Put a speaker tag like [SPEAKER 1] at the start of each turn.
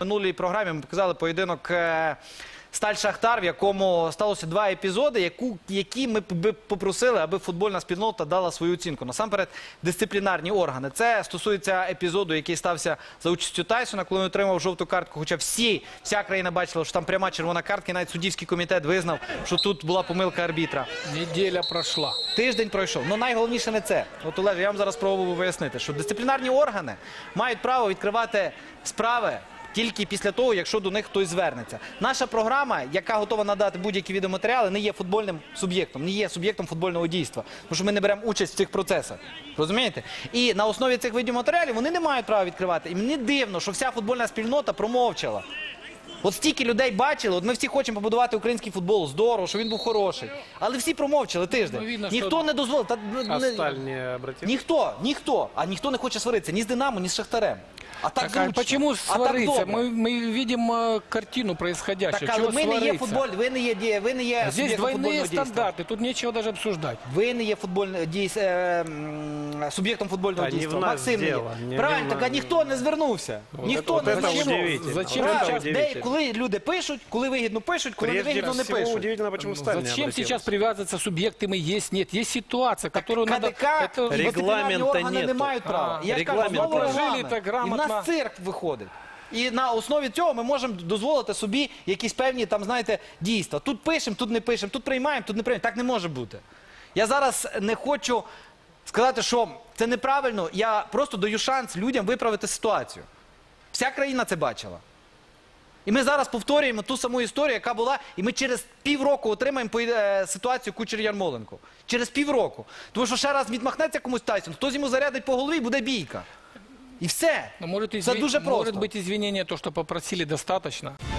[SPEAKER 1] минулій програмі ми показали поєдинок Сталь-Шахтар, в якому сталося два епізоди, які ми б попросили, аби футбольна спільнота дала свою оцінку. Насамперед, дисциплінарні органи. Це стосується епізоду, який стався за участю Тайсона, коли він отримав жовту картку. Хоча вся країна бачила, що там пряма червона картка, і навіть суддівський комітет визнав, що тут була помилка арбітра.
[SPEAKER 2] Неділя пройшла.
[SPEAKER 1] Тиждень пройшов. Ну найголовніше не це. От, Олеже, я вам зараз спробую пояснити, що дисциплінарні органи мають право відкривати справи тільки після того, якщо до них хтось звернеться. Наша програма, яка готова надати будь-які відеоматеріали, не є футбольним суб'єктом, не є суб'єктом футбольного дійства. Тому що ми не беремо участь в цих процесах. Розумієте? І на основі цих відеоматеріалів вони не мають права відкривати. І мені дивно, що вся футбольна спільнота промовчала. От стільки людей бачили, от ми всі хочемо побудувати український футбол, здорово, що він був хороший. Але всі промовчали тиждень. Ніхто не дозволив. Ніхто. А ніхто не хоче сваритися ні з Динамо, ні з Шахтарем. А так зручно.
[SPEAKER 2] Почему свариться? Мы видим картину происходящего.
[SPEAKER 1] Так,
[SPEAKER 2] Чего
[SPEAKER 1] ми не є
[SPEAKER 2] свариться?
[SPEAKER 1] футболь, ви не є
[SPEAKER 2] Здесь
[SPEAKER 1] суб'єктом
[SPEAKER 2] двойные
[SPEAKER 1] футбольного дійства.
[SPEAKER 2] стандарты, тут нечего даже обсуждать.
[SPEAKER 1] Ви не є суб'єктом футбольного дійства. Максим не є. Правильно, так а ніхто не звернувся. Ніхто не звернувся.
[SPEAKER 2] Зачем
[SPEAKER 1] Коли люди пишуть, коли вигідно пишуть, коли не вигідно не пишуть.
[SPEAKER 2] Зачем сейчас привязываться субъектами есть, нет? Есть ситуация, которую надо...
[SPEAKER 1] КДК і дисциплінарні органи не мають права. Я ж кажу, знову регламент. І в нас цирк виходить. І на основі цього ми можемо дозволити собі якісь певні, там, знаєте, дійства. Тут пишемо, тут не пишемо, тут приймаємо, тут не приймаємо. Так не може бути. Я зараз не хочу сказати, що це неправильно. Я просто даю шанс людям виправити ситуацію. Вся країна це бачила. І ми зараз повторюємо ту саму історію, яка була, і ми через півроку отримаємо ситуацію Кучер-Ярмоленко. Через півроку. Тому що ще раз відмахнеться комусь Тайсон, хтось йому зарядить по голові і буде бійка. І все. Це дуже просто.
[SPEAKER 2] Может быть, извинения, то, что попросили, достаточно.